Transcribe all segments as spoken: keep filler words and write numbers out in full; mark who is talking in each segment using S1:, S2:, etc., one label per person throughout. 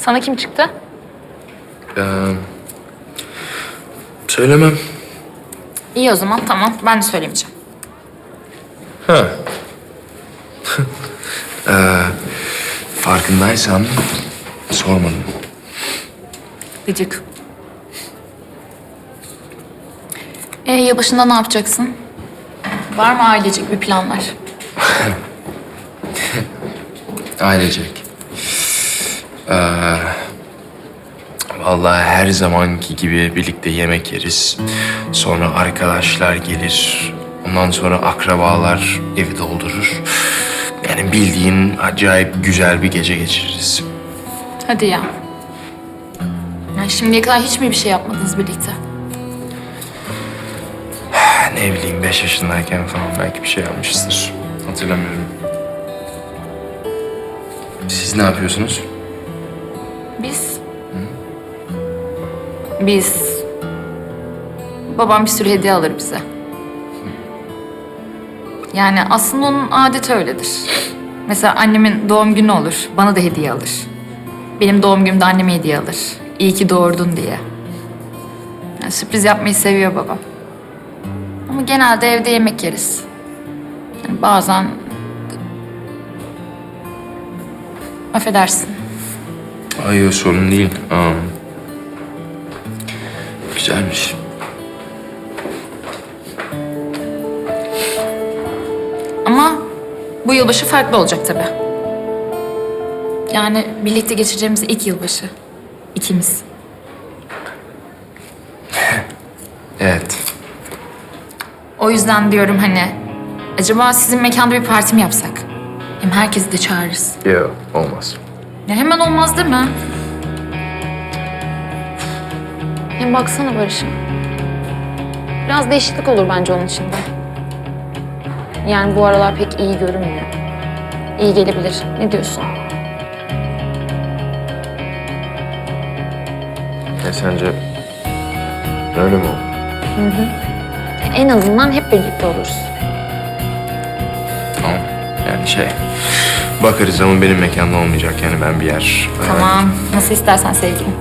S1: Sana kim çıktı?
S2: Ee, söylemem.
S1: İyi o zaman, tamam. Ben de söylemeyeceğim.
S2: Ha. ee, farkındaysan sormadım.
S1: Gıcık. Ee, yılbaşında ne yapacaksın? Var mı ailecek bir planlar?
S2: Ailecek. Ee, vallahi her zamanki gibi birlikte yemek yeriz. Sonra arkadaşlar gelir. Ondan sonra akrabalar evi doldurur. Yani bildiğin acayip güzel bir gece geçiririz.
S1: Hadi ya. Yani şimdiye kadar hiç mi bir şey yapmadınız birlikte?
S2: Ne bileyim beş yaşındayken falan belki bir şey yapmışızdır. Hatırlamıyorum. Siz ne yapıyorsunuz?
S1: Biz... Biz... Babam bir sürü hediye alır bize. Yani aslında onun adeti öyledir. Mesela annemin doğum günü olur, bana da hediye alır. Benim doğum günümde anneme hediye alır. İyi ki doğurdun diye. Yani sürpriz yapmayı seviyor babam. Ama genelde evde yemek yeriz. Yani bazen... Affedersin.
S2: Ay o sorun değil. Aa. Güzelmiş.
S1: Ama bu yılbaşı farklı olacak tabii. Yani birlikte geçireceğimiz ilk yılbaşı. İkimiz.
S2: Evet.
S1: O yüzden diyorum hani... Acaba sizin mekanda bir parti mi yapsak? Hem herkesi de çağırırız.
S2: Yok olmaz.
S1: Ya hemen olmaz değil mi? Hem baksana Barış'ım. Biraz değişiklik olur bence onun için de. Yani bu aralar pek iyi görünmüyor. İyi gelebilir. Ne diyorsun?
S2: E sence öyle mi olur?
S1: En azından hep birlikte oluruz.
S2: Tamam. Yani şey... Bakarız ama benim mekanda olmayacak yani ben bir yer...
S1: Tamam. Nasıl istersen sevgilim.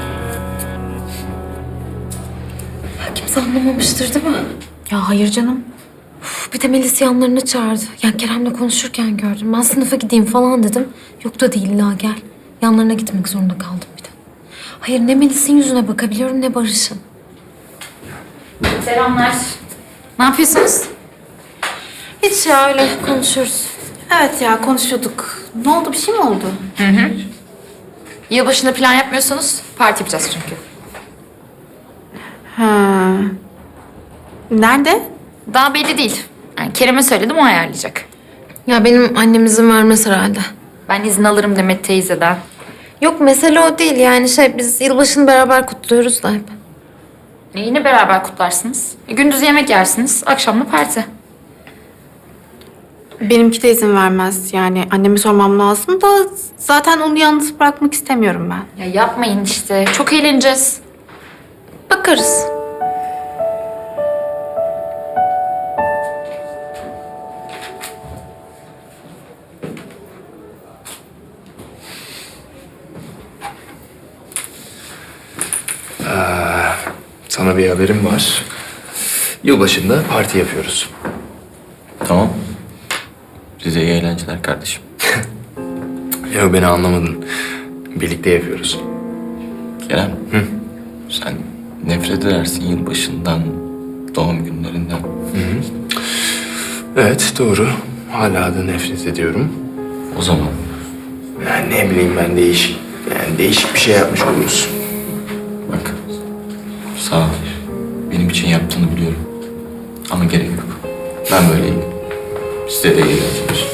S3: Kimse anlamamıştır değil mi? Ya hayır canım. Uf, bir de Melis yanlarına çağırdı. Yani Kerem'le konuşurken gördüm. Ben sınıfa gideyim falan dedim. Yok da değil la gel. Yanlarına gitmek zorunda kaldım bir de. Hayır ne Melis'in yüzüne bakabiliyorum ne Barış'ın.
S1: Selamlar. Ne yapıyorsunuz?
S3: Hiç ya öyle konuşuyoruz.
S4: Evet ya konuşuyorduk. Ne oldu bir şey mi oldu?
S1: Yılbaşında plan yapmıyorsanız parti yapacağız çünkü.
S4: Ha. Nerede?
S1: Daha belli değil. Yani Kerem'e söyledim, o ayarlayacak.
S3: Ya benim annem izin vermez herhalde.
S1: Ben izin alırım Demet teyzeden.
S3: Yok mesele o değil yani şey biz yılbaşını beraber kutluyoruz da hep.
S1: E yine beraber kutlarsınız. E, gündüz yemek yersiniz, akşam da parti.
S4: Benimki de izin vermez. Yani anneme sormam lazım da zaten onu yalnız bırakmak istemiyorum ben.
S1: Ya yapmayın işte, çok eğleneceğiz.
S3: Bakarız.
S2: Sana bir haberim var. Yılbaşında parti yapıyoruz.
S5: Tamam. Size iyi eğlenceler kardeşim.
S2: Yok beni anlamadın. Birlikte yapıyoruz.
S5: Kerem. Hı? Sen nefret edersin yılbaşından, doğum günlerinden.
S2: Evet doğru. Hala da nefret ediyorum.
S5: O zaman
S2: Yani ne bileyim ben değişik, yani değişik bir şey yapmış oluruz.
S5: bak, sağ ol. Benim için yaptığını biliyorum. Ama gerek yok. Ben böyleyim. Size de iyi eğlenceler.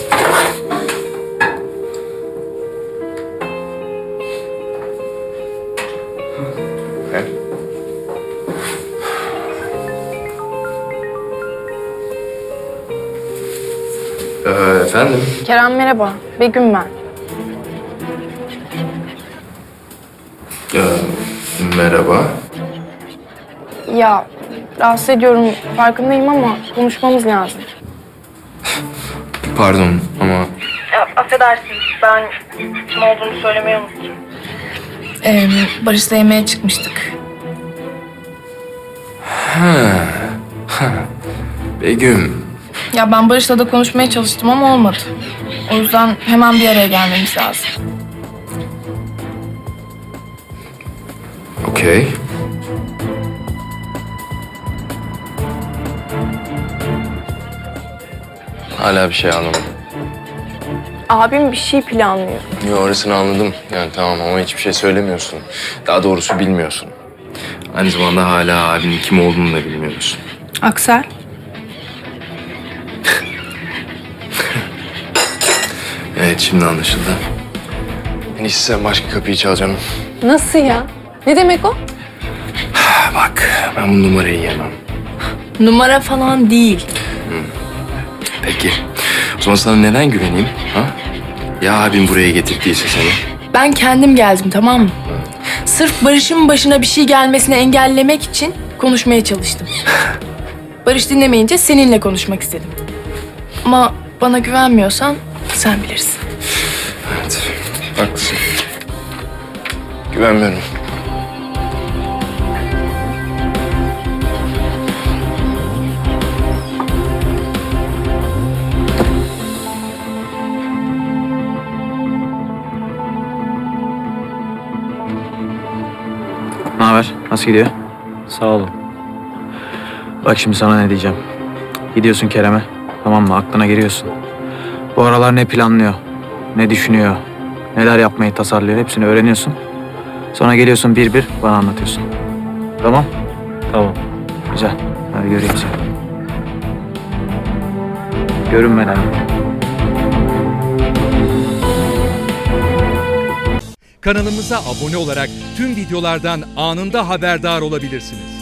S2: Evet. Ee, efendim?
S6: Kerem merhaba, Begüm ben.
S2: Ee, merhaba.
S6: Ya rahatsız ediyorum farkındayım ama konuşmamız lazım.
S2: Pardon ama
S6: Ya, affedersiniz ben kim olduğunu söylemeyi unuttum. Ee, Barış'la yemeğe çıkmıştık.
S2: Begüm.
S6: Ya ben Barış'la da konuşmaya çalıştım ama olmadı. O yüzden hemen bir araya gelmemiz lazım.
S2: Okey. Hala bir şey anlamadım.
S6: Abim bir şey planlıyor.
S2: Yo, orasını anladım. Yani tamam ama hiçbir şey söylemiyorsun. Daha doğrusu bilmiyorsun. Aynı zamanda hala abinin kim olduğunu da bilmiyorsun.
S6: Aksel?
S2: Evet, şimdi anlaşıldı. En iyisi sen başka kapıyı çal canım.
S3: Nasıl ya? Ne demek o?
S2: Ha, bak, ben bu numarayı yemem.
S6: Numara falan değil.
S2: Peki. O zaman sana neden güveneyim? Ha? Ya abim buraya getirdiyse seni?
S6: Ben kendim geldim, tamam mı? Sırf Barış'ın başına bir şey gelmesini engellemek için konuşmaya çalıştım. Barış dinlemeyince seninle konuşmak istedim. Ama bana güvenmiyorsan sen bilirsin.
S2: Evet, haklısın. Güvenmiyorum.
S7: Ne haber? Nasıl gidiyor? Sağ olun. Bak şimdi sana ne diyeceğim. Gidiyorsun Kerem'e, tamam mı? Aklına giriyorsun. Bu aralar ne planlıyor, ne düşünüyor, neler yapmayı tasarlıyor hepsini öğreniyorsun. Sonra geliyorsun bir bir bana anlatıyorsun. Tamam? Tamam. Güzel. Hadi göreyim seni. Görünmeden.
S8: Kanalımıza abone olarak tüm videolardan anında haberdar olabilirsiniz.